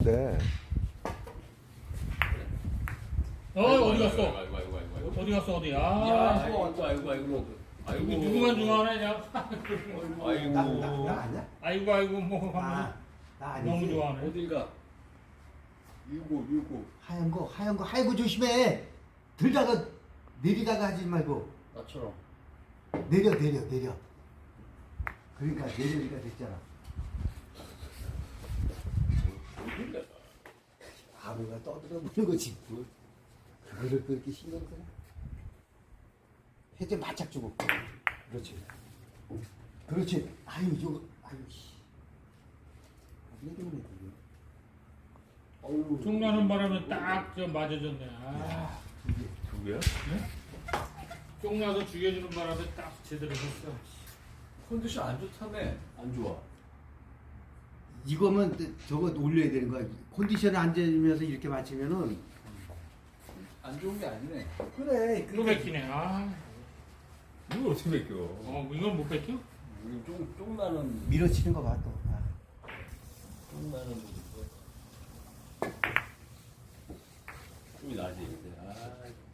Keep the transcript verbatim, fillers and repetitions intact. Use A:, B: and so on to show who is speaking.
A: 좋은데.
B: 어 어디 갔어?
C: 아이고 아이고 아이고 아이고.
B: 어디 갔어 어디?
C: 야,
B: 아
C: 아이고 아이고 아이고 아이고. 아이고.
B: 이거 누구만 좋아하네 야.
C: 아이고.
D: 나, 나, 나 아니야?
B: 아이고 아이고 뭐
D: 아,
B: 하면
D: 나 아니지.
B: 너무 좋아하네.
C: 어딜 가? 유고 유고.
D: 하얀 거, 하얀 거, 하얀 거 조심해. 들다가 내리다가 하지 말고
C: 나처럼.
D: 내려, 내려, 내려. 그러니까 내려니까 됐잖아.
C: 어딜 가?
D: 바보가 떠들어 보는 거지. 뭐. 그거를 그렇게 신경 쓰나? 해제 바짝 주고. 그렇지. 그렇지. 아유, 저거, 아유, 씨. 왜 그러네, 그게. 어우.
B: 쫑나는 바람에 딱 저 맞아줬네. 아,
D: 야, 이게.
C: 두 개야?
B: 쫑나서 죽여주는 바람에 딱 제대로 했어.
C: 컨디션 안 좋다며. 안 좋아.
D: 이거면 저거 올려야 되는 거야. 컨디션을 안 되면서 이렇게 맞추면은.
C: 안 좋은 게 아니네.
D: 그래.
B: 또 뺏기네. 아,
C: 이걸 어떻게 뺏겨?
B: 어 이건 못 뺏겨?
C: 우리 쫑 쫑나는
D: 밀어치는 거 봐, 또. 아.
C: 쫑나는 뭐. 쫑이 나지. 근데 아.